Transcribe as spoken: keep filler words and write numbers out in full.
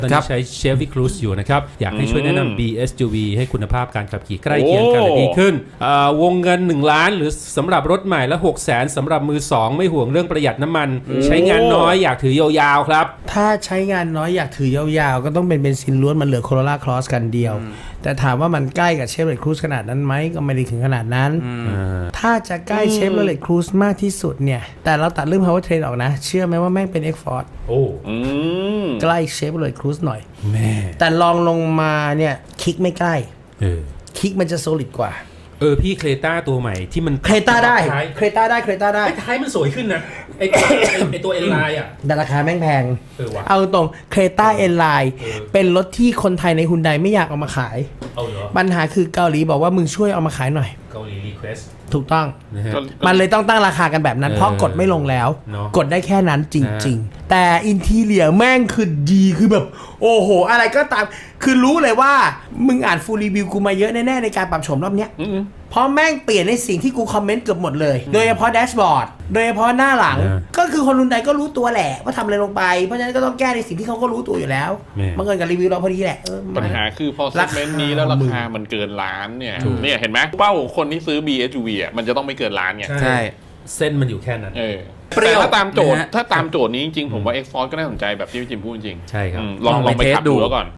ตอนนี้ใช้ Chevy Cruze อยู่นะครับอยากให้ช่วยแนะนำ บี เอส ยู วี ให้คุณภาพการขับขี่ใกล้เคียงกันและดีขึ้นวงเงินหนึ่งล้านหรือสำหรับรถใหม่และหกแสนสำหรับมือสองไม่ห่วงเรื่องประหยัดน้ำมันใช้งานน้อยอยากถือยาวๆครับถ้าใช้งานน้อยอยากถือยาวๆก็ต้องเป็นเบนซินล้วนมันเหลือ Corolla Cross กันเดียวแต่ถามว่ามันใกล้กับ Chevrolet Cruze ขนาดนั้นไหมก็ไม่ได้ถึงขนาดนั้นถ้าจะใกล้ Chevrolet Cruze มากที่สุดเนี่ยแต่เราตัดเรื่อง Powertrain ออกนะเชื่อไหมว่าแม่งเป็น X-Force โอ้ใกล้ Chevrolet Cruze หน่อยแม่แต่ลองลงมาเนี่ยคลิกไม่ใกล้เออคลิกมันจะ solid กว่าเออพี่เครต้าตัวใหม่ที่มันเครต้าได้เครต้าได้เครต้าได้ท้ายมันสวยขึ้นนะไอตัวไอตัวเอ็นไลน์อ่ะแต่ราคาแม่งแพงเออวะเอาตรงเครต้าเอ็นไลน์เป็นรถที่คนไทยในฮุนไดไม่อยากเอามาขายเอาเหรอปัญหาคือเกาหลีบอกว่ามึงช่วยเอามาขายหน่อยเกาหลีรีเควสถูกต้องนะฮะมันเลยต้องตั้งราคากันแบบนั้นเพราะกดไม่ลงแล้วกดได้แค่นั้นจริงๆแต่อินทีเรียแม่งคือดีคือแบบโอ้โหอะไรก็ตามคือรู้เลยว่ามึงอ่านฟูลรีวิวกูมาเยอะแน่ๆในการปรับโฉมรอบเนี้ยเพราะแม่งเปลี่ยนในสิ่งที่กูคอมเมนต์เกือบหมดเลยโดยเฉพาะแดชบอร์ดโดยเฉพาะหน้าหลังก็คือคนรุ่นใดก็รู้ตัวแหละว่าทำอะไรลงไปเพราะฉะนั้นก็ต้องแก้ในสิ่งที่เขาก็รู้ตัวอยู่แล้วบังเอิญกับรีวิวเราพอดีแหละปัญหาคือพอเซกเมนต์นี้แล้วราคามันเกินล้านเนี่ยเนี่ยเห็นไหมเป้าของคนที่ซื้อ บี เอส ยู วี อ่ะมันจะต้องไม่เกินล้านไงใช่เส้นมันอยู่แค่นั้นเออแต่ถ้าตามโจทย์ถ้าตามโจทย์นี้จริงๆผมว่า X-Force ก็น่าสนใจแบบที่พี่จิมพูดจริงใช่ครับลองลองไปขับดูแล้วก่อน